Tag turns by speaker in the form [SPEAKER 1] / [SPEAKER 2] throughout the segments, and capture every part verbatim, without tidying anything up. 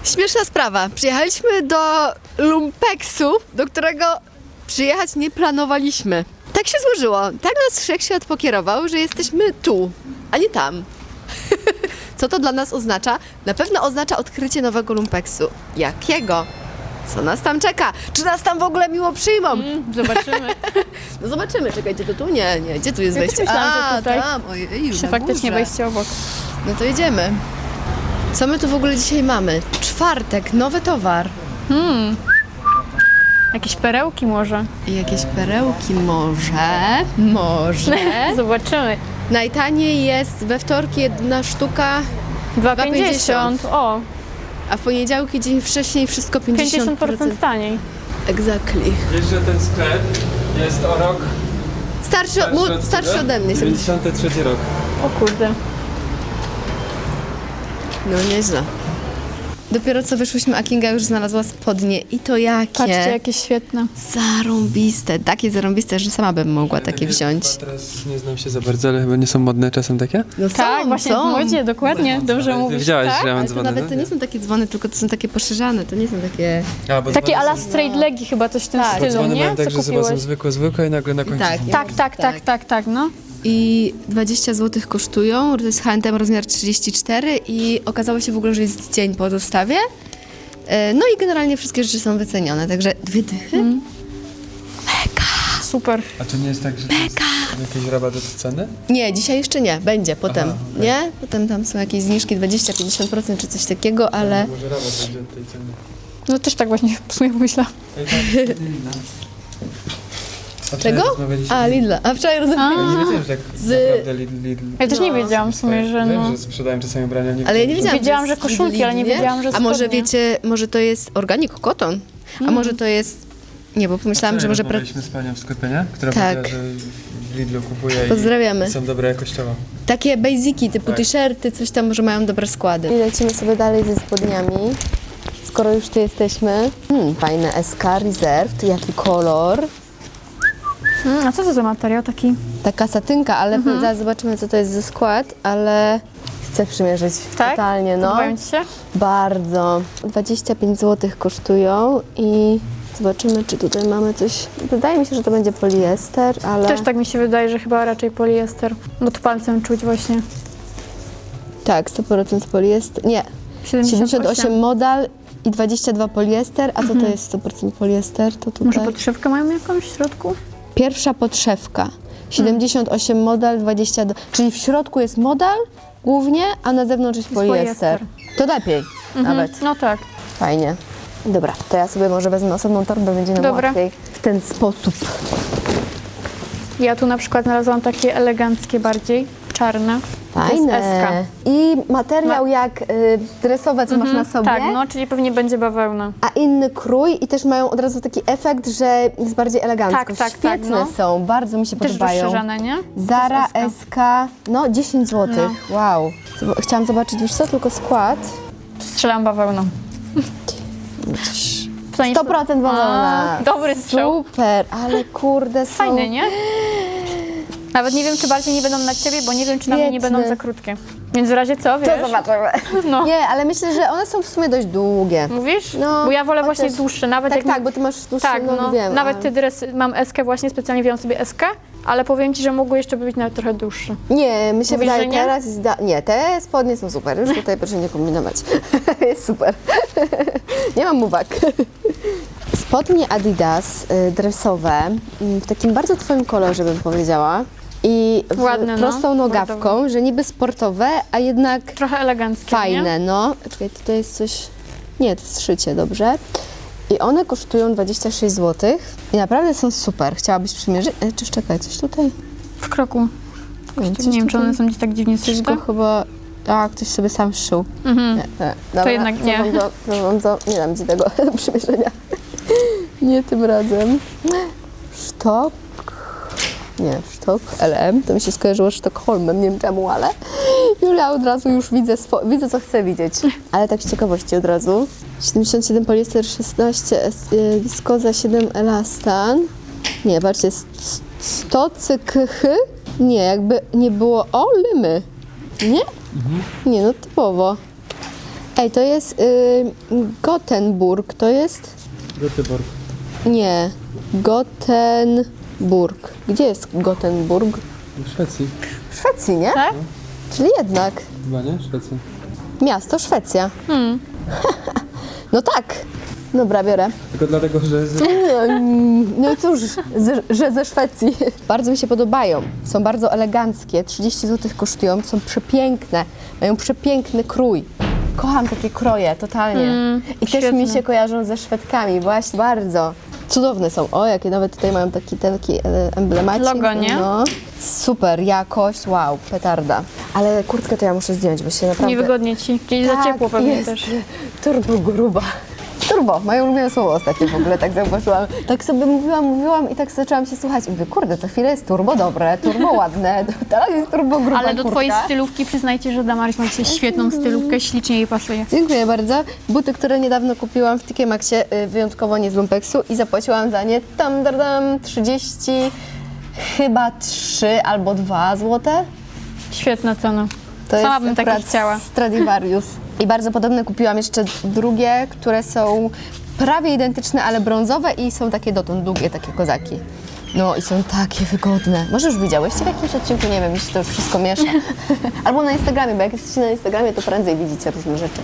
[SPEAKER 1] Śmieszna sprawa. Przyjechaliśmy do lumpeksu, do którego przyjechać nie planowaliśmy. Tak się złożyło. Tak nas wszechświat pokierował, że jesteśmy tu, a nie tam. Co to dla nas oznacza? Na pewno oznacza odkrycie nowego lumpeksu. Jakiego? Co nas tam czeka? Czy nas tam w ogóle miło przyjmą?
[SPEAKER 2] Mm, zobaczymy.
[SPEAKER 1] No zobaczymy, czekajcie, to tu? Nie, nie, gdzie tu jest
[SPEAKER 2] Ja też
[SPEAKER 1] wejście?
[SPEAKER 2] myślałam, że
[SPEAKER 1] A,
[SPEAKER 2] tutaj.
[SPEAKER 1] tam, ojej,
[SPEAKER 2] Czy
[SPEAKER 1] na
[SPEAKER 2] faktycznie
[SPEAKER 1] górze.
[SPEAKER 2] wejście obok.
[SPEAKER 1] No to jedziemy. Co my tu w ogóle dzisiaj mamy? Czwartek, nowy towar.
[SPEAKER 2] Hmm. Jakieś perełki może.
[SPEAKER 1] I jakieś perełki może, może.
[SPEAKER 2] Zobaczymy.
[SPEAKER 1] Najtaniej jest we wtorki jedna sztuka,
[SPEAKER 2] dwa
[SPEAKER 1] dwa
[SPEAKER 2] pięćdziesiąt. O,
[SPEAKER 1] a w poniedziałki dzień wcześniej wszystko pięćdziesiąt
[SPEAKER 2] pięćdziesiąt
[SPEAKER 1] procent.
[SPEAKER 2] procent taniej.
[SPEAKER 1] Exactly.
[SPEAKER 3] Wiesz, że ten sklep jest o rok
[SPEAKER 1] Starszy, mu, starszy
[SPEAKER 3] ciebie?
[SPEAKER 1] ode mnie.
[SPEAKER 3] dziewięćdziesiąty trzeci rok.
[SPEAKER 2] O kurde.
[SPEAKER 1] No nieźle. Dopiero co wyszłyśmy, a Kinga już znalazła spodnie. I to jakie?
[SPEAKER 2] Patrzcie, jakie świetne.
[SPEAKER 1] Zarąbiste. Takie zarąbiste, że sama bym mogła takie wziąć.
[SPEAKER 3] Chyba teraz nie znam się za bardzo, ale chyba nie są modne czasem takie?
[SPEAKER 1] No
[SPEAKER 2] Tak,
[SPEAKER 1] są,
[SPEAKER 2] właśnie
[SPEAKER 1] są.
[SPEAKER 2] w modzie, dokładnie. Dobrze
[SPEAKER 3] Ale ty
[SPEAKER 2] mówisz.
[SPEAKER 3] widziałaś,
[SPEAKER 2] tak?
[SPEAKER 3] że ja mam
[SPEAKER 1] Ale to
[SPEAKER 3] dzwony,
[SPEAKER 1] nawet
[SPEAKER 3] no?
[SPEAKER 1] to nie są takie dzwony, tylko to są takie poszerzane, to nie są takie...
[SPEAKER 3] A, bo
[SPEAKER 2] Takie
[SPEAKER 3] dzwony
[SPEAKER 2] ala
[SPEAKER 3] są-
[SPEAKER 2] straight legi chyba coś w tym
[SPEAKER 1] Tak.
[SPEAKER 3] Bo
[SPEAKER 2] stylu,
[SPEAKER 3] dzwony
[SPEAKER 2] nie?
[SPEAKER 3] mają tak,
[SPEAKER 2] Co
[SPEAKER 3] że chyba są
[SPEAKER 2] kupiłeś?
[SPEAKER 3] zwykłe, zwykłe i nagle na końcu
[SPEAKER 1] tak,
[SPEAKER 3] są...
[SPEAKER 1] nie?
[SPEAKER 2] Tak, tak, tak, tak, tak, no.
[SPEAKER 1] I dwadzieścia złotych kosztują, to jest H and M rozmiar trzydzieści cztery i okazało się w ogóle, że jest dzień po dostawie. E, No i generalnie wszystkie rzeczy są wycenione, także dwie dychy.
[SPEAKER 2] Mm. Super.
[SPEAKER 3] A to nie jest tak, że to jest jakiś rabat od ceny?
[SPEAKER 1] Nie, dzisiaj jeszcze nie, będzie potem,
[SPEAKER 3] Aha,
[SPEAKER 1] nie? Potem tam są jakieś zniżki dwadzieścia do pięćdziesięciu procent czy coś takiego, ale...
[SPEAKER 3] Może rabat będzie od tej ceny.
[SPEAKER 2] No też tak właśnie w sumie myślałam.
[SPEAKER 3] Ej, tak, Lidla. A wczoraj
[SPEAKER 1] Czego?
[SPEAKER 3] rozmawialiśmy-
[SPEAKER 1] A, Lidla. A wczoraj
[SPEAKER 3] Ja
[SPEAKER 1] rozmawialiśmy.
[SPEAKER 3] nie wiedziałem, że tak
[SPEAKER 1] Z-
[SPEAKER 3] naprawdę Lidl... Lidl...
[SPEAKER 2] Ja też nie
[SPEAKER 1] No.
[SPEAKER 2] wiedziałam w sumie, że
[SPEAKER 3] Wiem,
[SPEAKER 2] no.
[SPEAKER 3] że sprzedają czasami ubrania, nie
[SPEAKER 1] Ale ja nie
[SPEAKER 3] wiedziałem,
[SPEAKER 1] wiedziałam,
[SPEAKER 2] Wiedziałam, że
[SPEAKER 1] jest
[SPEAKER 2] koszulki,
[SPEAKER 1] Lidl,
[SPEAKER 2] ale nie
[SPEAKER 1] nie?
[SPEAKER 2] wiedziałam, że
[SPEAKER 1] A może
[SPEAKER 2] spodnie.
[SPEAKER 1] wiecie, może to jest organic cotton? A może to jest... Nie, bo pomyślałam, że może... Pra...
[SPEAKER 3] Rozmawialiśmy z panią w sklepie, nie? Która
[SPEAKER 1] Tak.
[SPEAKER 3] powiedziała, że w Lidlu kupuje
[SPEAKER 1] Pozdrawiamy.
[SPEAKER 3] i są dobre jakościowo.
[SPEAKER 1] Takie basiki, typu
[SPEAKER 3] Tak.
[SPEAKER 1] t-shirty, coś tam może mają dobre składy. I lecimy sobie dalej ze spodniami, skoro już tu jesteśmy. Hmm, fajne S K Reserved, jaki kolor.
[SPEAKER 2] Mm, a co to za materiał taki?
[SPEAKER 1] Taka satynka, ale zaraz zobaczymy, co to jest za skład, ale chcę przymierzyć
[SPEAKER 2] Tak?
[SPEAKER 1] totalnie, no.
[SPEAKER 2] Podobają ci się?
[SPEAKER 1] Bardzo. dwadzieścia pięć złotych kosztują i zobaczymy, czy tutaj mamy coś. Wydaje mi się, że to będzie poliester, ale...
[SPEAKER 2] Też tak mi się wydaje, że chyba raczej poliester. No to palcem czuć właśnie.
[SPEAKER 1] Tak, sto procent poliester. Nie, siedemdziesiąt osiem modal i dwadzieścia dwa poliester, a co to jest sto procent poliester? To tutaj...
[SPEAKER 2] Może podszewkę mają jakąś w środku?
[SPEAKER 1] Pierwsza podszewka. siedemdziesiąt osiem modal, dwadzieścia dwa. Czyli w środku jest modal głównie, a na zewnątrz jest poliester. To lepiej nawet.
[SPEAKER 2] No tak.
[SPEAKER 1] Fajnie. Dobra, to ja sobie może wezmę osobną torbę, będzie nam
[SPEAKER 2] Dobra.
[SPEAKER 1] łatwiej w ten sposób.
[SPEAKER 2] Ja tu na przykład znalazłam takie eleganckie bardziej, czarne. To jest S K.
[SPEAKER 1] Fajne. I materiał jak y, dresowe, co masz na sobie,
[SPEAKER 2] Tak, no, czyli pewnie będzie bawełna.
[SPEAKER 1] a inny krój i też mają od razu taki efekt, że jest bardziej elegancko.
[SPEAKER 2] Tak, tak,
[SPEAKER 1] Świetne
[SPEAKER 2] tak, no.
[SPEAKER 1] są, bardzo mi się
[SPEAKER 2] Też
[SPEAKER 1] podobają.
[SPEAKER 2] rozszerzane, nie?
[SPEAKER 1] Zara
[SPEAKER 2] To jest
[SPEAKER 1] S K, no dziesięć złotych. Wow. Zob- Chciałam zobaczyć już co, tylko skład.
[SPEAKER 2] Strzelam bawełną. Tutaj
[SPEAKER 1] sto procent bawełna.
[SPEAKER 2] A, dobry strzał.
[SPEAKER 1] Super, ale kurde są...
[SPEAKER 2] Fajne, nie? Nawet nie wiem, czy bardziej nie będą na ciebie, bo nie wiem, czy na mnie nie
[SPEAKER 1] Świetne.
[SPEAKER 2] będą za krótkie. Więc w razie co, wiesz?
[SPEAKER 1] To zobaczymy.
[SPEAKER 2] No.
[SPEAKER 1] Nie, ale myślę, że one są w sumie dość długie.
[SPEAKER 2] Mówisz?
[SPEAKER 1] No,
[SPEAKER 2] bo ja wolę
[SPEAKER 1] chociaż-
[SPEAKER 2] właśnie dłuższe, nawet
[SPEAKER 1] Tak,
[SPEAKER 2] jak...
[SPEAKER 1] tak, bo ty masz dłuższy,
[SPEAKER 2] tak,
[SPEAKER 1] no,
[SPEAKER 2] no,
[SPEAKER 1] wiem.
[SPEAKER 2] nawet
[SPEAKER 1] ale-
[SPEAKER 2] ty dres, mam eskę właśnie, specjalnie wziąłam sobie eskę, ale powiem ci, że mogły jeszcze być nawet trochę dłuższe.
[SPEAKER 1] Nie, mi się
[SPEAKER 2] Mówisz,
[SPEAKER 1] wydaje
[SPEAKER 2] że nie?
[SPEAKER 1] teraz jest da... Nie, te spodnie są super, już tutaj proszę nie kombinować. Jest super. Nie mam uwag. Spodnie Adidas y, dresowe, y, w takim bardzo twoim kolorze bym powiedziała. I w
[SPEAKER 2] Ładne, no.
[SPEAKER 1] prostą nogawką,
[SPEAKER 2] Bordowe.
[SPEAKER 1] że niby sportowe, a jednak
[SPEAKER 2] Trochę eleganckie,
[SPEAKER 1] fajne,
[SPEAKER 2] nie?
[SPEAKER 1] no. Czekaj, tutaj jest coś... Nie, to jest szycie, dobrze. I one kosztują dwadzieścia sześć złotych i naprawdę są super. Chciałabyś przymierzyć? E, czy czekaj, coś tutaj?
[SPEAKER 2] W kroku.
[SPEAKER 1] Nie, coś
[SPEAKER 2] Nie wiem, czy
[SPEAKER 1] tutaj?
[SPEAKER 2] one są gdzieś tak dziwnie
[SPEAKER 1] Coś
[SPEAKER 2] szyte.
[SPEAKER 1] go chyba... A, ktoś sobie sam szył.
[SPEAKER 2] Mhm.
[SPEAKER 1] Nie, nie. Dobra,
[SPEAKER 2] jednak nie.
[SPEAKER 1] cofam To, cofam to, nie dam ci tego do przymierzenia. Nie tym razem. Sztok. Nie, sztok L M. To mi się skojarzyło z Sztokholmem, nie wiem czemu, ale Julia od razu już widzę, swo- widzę co chcę widzieć. Ale tak z ciekawości od razu. siedemdziesiąt siedem poliester, szesnaście es- y, wiskoza, siedem elastan. Nie, patrzcie, sto cykhy. Nie, jakby nie było... O, lymy. Nie? Nie, no typowo. Ej, to jest y, Gothenburg, to jest?
[SPEAKER 3] Göteborg.
[SPEAKER 1] Nie, Gothenburg. Gdzie jest Gothenburg?
[SPEAKER 3] W Szwecji.
[SPEAKER 1] W Szwecji, nie?
[SPEAKER 2] Tak?
[SPEAKER 1] Czyli jednak
[SPEAKER 3] Chyba nie? Szwecja.
[SPEAKER 1] miasto Szwecja.
[SPEAKER 2] Hmm.
[SPEAKER 1] No tak. Dobra, biorę.
[SPEAKER 3] Tylko dlatego, że... Z...
[SPEAKER 1] No cóż, z, że ze Szwecji. Bardzo mi się podobają. Są bardzo eleganckie. trzydzieści złotych kosztują. Są przepiękne. Mają przepiękny krój. Kocham takie kroje, totalnie.
[SPEAKER 2] Mm,
[SPEAKER 1] I też
[SPEAKER 2] świetne.
[SPEAKER 1] mi się kojarzą ze Szwedkami. Właśnie bardzo. Cudowne są. O, jakie nawet tutaj mają taki, taki e, emblemacik.
[SPEAKER 2] Logo, nie?
[SPEAKER 1] No. Super, jakość, wow, petarda. Ale kurtkę to ja muszę zdjąć, bo się naprawdę...
[SPEAKER 2] Niewygodnie ci. Gdzieś za ciepło pewnie
[SPEAKER 1] jest
[SPEAKER 2] też.
[SPEAKER 1] turbo gruba. Turbo, moje ulubione słowo ostatnio w ogóle, tak zauważyłam. Tak sobie mówiłam, mówiłam i tak zaczęłam się słuchać i mówię, kurde, co chwilę jest turbo dobre, turbo ładne, teraz jest turbo gruba
[SPEAKER 2] Ale do
[SPEAKER 1] kurtka.
[SPEAKER 2] twojej stylówki przyznajcie, że Damaris ma dzisiaj świetną stylówkę, ślicznie jej pasuje.
[SPEAKER 1] Dziękuję bardzo. Buty, które niedawno kupiłam w T K Maxie, y, wyjątkowo nie z lumpeksu i zapłaciłam za nie tam, tam, tam trzydzieści, chyba trzy albo dwa złote.
[SPEAKER 2] Świetna cena.
[SPEAKER 1] To
[SPEAKER 2] Sama
[SPEAKER 1] jest
[SPEAKER 2] bym takie
[SPEAKER 1] akurat
[SPEAKER 2] chciała.
[SPEAKER 1] Stradivarius. I bardzo podobne kupiłam jeszcze drugie, które są prawie identyczne, ale brązowe i są takie dotąd długie, takie kozaki. No i są takie wygodne. Może już widziałyście w jakimś odcinku, nie wiem, mi się to już wszystko miesza. Albo na Instagramie, bo jak jesteście na Instagramie, to prędzej widzicie różne rzeczy.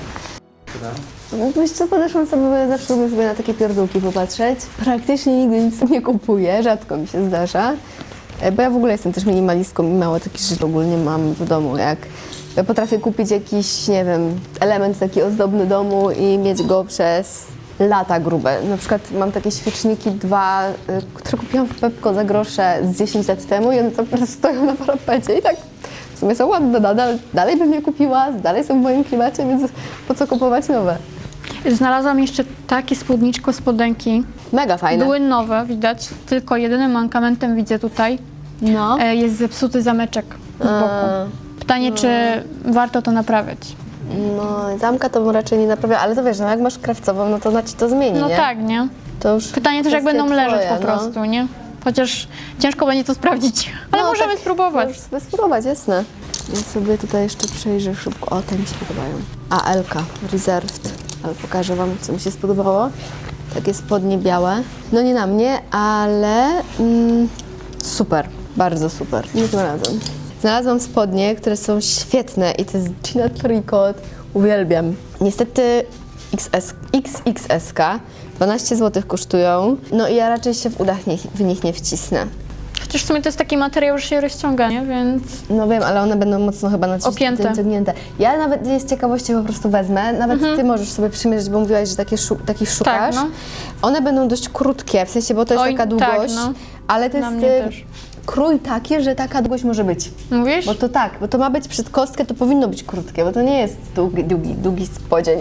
[SPEAKER 1] Wiesz co, podeszłam sobie, bo ja zawsze lubię sobie na takie pierdółki popatrzeć. Praktycznie nigdy nic nie kupuję, rzadko mi się zdarza. E, Bo ja w ogóle jestem też minimalistką i mało takich rzeczy ogólnie mam w domu, jak ja potrafię kupić jakiś, nie wiem, element taki ozdobny domu i mieć go przez lata grube. Na przykład mam takie świeczniki dwa, y, które kupiłam w Pepko za grosze z dziesięć lat temu i one cały czas stoją na parapecie i tak w sumie są ładne nadal, dalej bym je kupiła, dalej są w moim klimacie, więc po co kupować nowe?
[SPEAKER 2] Znalazłam jeszcze takie spódniczko, spodenki.
[SPEAKER 1] Mega fajne.
[SPEAKER 2] Były nowe, widać, tylko jedynym mankamentem widzę tutaj
[SPEAKER 1] No.
[SPEAKER 2] e, jest zepsuty zameczek z boku. Pytanie, czy warto to naprawiać?
[SPEAKER 1] No, zamka to raczej nie naprawia, ale to wiesz, no jak masz krawcową, no to ona ci to zmieni,
[SPEAKER 2] No
[SPEAKER 1] nie?
[SPEAKER 2] tak, nie?
[SPEAKER 1] To już
[SPEAKER 2] Pytanie też, jak
[SPEAKER 1] kwestia
[SPEAKER 2] będą leżeć
[SPEAKER 1] twoja,
[SPEAKER 2] po prostu, nie? Chociaż ciężko będzie to sprawdzić, ale
[SPEAKER 1] No,
[SPEAKER 2] możemy
[SPEAKER 1] tak,
[SPEAKER 2] spróbować.
[SPEAKER 1] Możesz sobie spróbować, jasne. Ja sobie tutaj jeszcze przejrzę szybko. O, te mi się podobają. A, Elka, Reserved. Ale pokażę Wam, co mi się spodobało. Takie spodnie białe. No nie na mnie, ale mm, super, bardzo super. Nie tym razem. Znalazłam spodnie, które są świetne i to jest Gina Tricot. Uwielbiam. Niestety X S, X X S K, dwanaście złotych kosztują. No i ja raczej się w udach nie, w nich nie wcisnę.
[SPEAKER 2] Chociaż w sumie to jest taki materiał, że się rozciąga, nie? Więc
[SPEAKER 1] No wiem, ale one będą mocno chyba
[SPEAKER 2] Opięte.
[SPEAKER 1] naciągnięte. Ja nawet z ciekawości po prostu wezmę. Nawet Ty możesz sobie przymierzyć, bo mówiłaś, że takie szu- takich szukasz.
[SPEAKER 2] no.
[SPEAKER 1] One będą dość krótkie, w sensie, bo to jest
[SPEAKER 2] Oj,
[SPEAKER 1] taka
[SPEAKER 2] tak,
[SPEAKER 1] długość,
[SPEAKER 2] no.
[SPEAKER 1] ale to
[SPEAKER 2] Na
[SPEAKER 1] jest
[SPEAKER 2] mnie
[SPEAKER 1] y,
[SPEAKER 2] też.
[SPEAKER 1] krój taki, że taka długość może być.
[SPEAKER 2] mówisz?
[SPEAKER 1] Bo to tak, bo to ma być przed kostkę, to powinno być krótkie, bo to nie jest długi, długi, długi spodzień.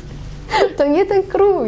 [SPEAKER 1] To nie ten krój.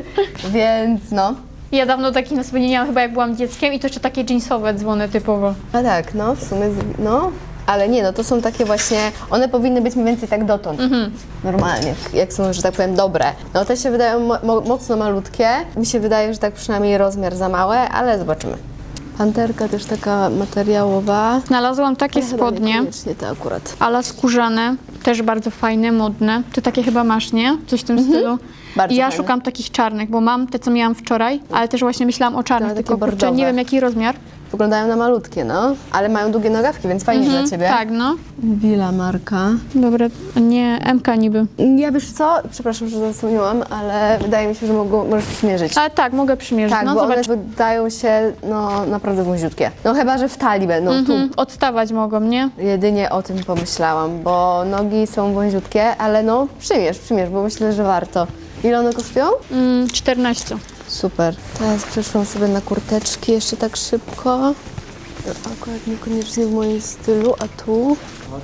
[SPEAKER 1] Więc no.
[SPEAKER 2] Ja dawno takich na sobie nie miałam, chyba jak byłam dzieckiem i to jeszcze takie jeansowe dzwony typowo.
[SPEAKER 1] A tak, no w sumie, z- no. Ale nie, no to są takie właśnie, one powinny być mniej więcej tak dotąd. Normalnie, jak są, że tak powiem, dobre. No te się wydają mo- mo- mocno malutkie. Mi się wydaje, że tak przynajmniej rozmiar za małe, ale zobaczymy. Panterka też taka materiałowa.
[SPEAKER 2] Znalazłam takie
[SPEAKER 1] Ale chyba
[SPEAKER 2] spodnie,
[SPEAKER 1] niekoniecznie te akurat.
[SPEAKER 2] ala skórzane, też bardzo fajne, modne. Ty takie chyba masz, nie? Coś w tym stylu.
[SPEAKER 1] Bardzo
[SPEAKER 2] I ja
[SPEAKER 1] fajne.
[SPEAKER 2] szukam takich czarnych, bo mam te, co miałam wczoraj, ale też właśnie myślałam o czarnych,
[SPEAKER 1] No, takie
[SPEAKER 2] tylko kurczę,
[SPEAKER 1] bordowe.
[SPEAKER 2] nie wiem jaki rozmiar.
[SPEAKER 1] Wyglądają na malutkie, no. Ale mają długie nogawki, więc fajnie dla Ciebie.
[SPEAKER 2] Tak, no.
[SPEAKER 1] Willa marka.
[SPEAKER 2] Dobra, nie, M K niby.
[SPEAKER 1] Ja wiesz co, przepraszam, że zasłoniłam, ale wydaje mi się, że mogą, możesz przymierzyć.
[SPEAKER 2] Ale tak, mogę przymierzyć,
[SPEAKER 1] Tak,
[SPEAKER 2] no
[SPEAKER 1] bo
[SPEAKER 2] zobacz.
[SPEAKER 1] one wydają się no, naprawdę wąziutkie. No chyba, że w talii będą
[SPEAKER 2] Mhm, odstawać mogą, nie?
[SPEAKER 1] tu. Jedynie o tym pomyślałam, bo nogi są wąziutkie, ale no przymierz, przymierz, bo myślę, że warto. Ile one kosztują?
[SPEAKER 2] Mm, czternaście.
[SPEAKER 1] Super. Teraz przeszłam sobie na kurteczki jeszcze tak szybko. Akurat niekoniecznie w moim stylu, a tu...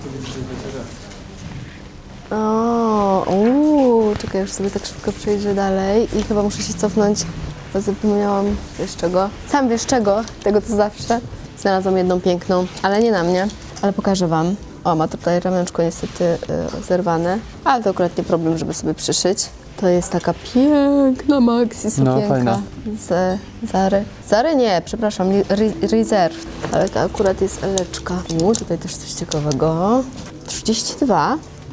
[SPEAKER 1] O, uuu, czekaj, już sobie tak szybko przejrzę dalej i chyba muszę się cofnąć, bo zapomniałam wiesz czego. Sam wiesz czego, tego co zawsze. Znalazłam jedną piękną, ale nie na mnie, ale pokażę Wam. O, ma tutaj ramionczko niestety y, zerwane, ale to akurat nie problem, żeby sobie przyszyć. To jest taka piękna maxi sukienka
[SPEAKER 3] fajna.
[SPEAKER 1] z Zary. Zary nie, przepraszam, Re- Reserve, ale to akurat jest eleczka. U, tutaj też coś ciekawego. trzydzieści dwa.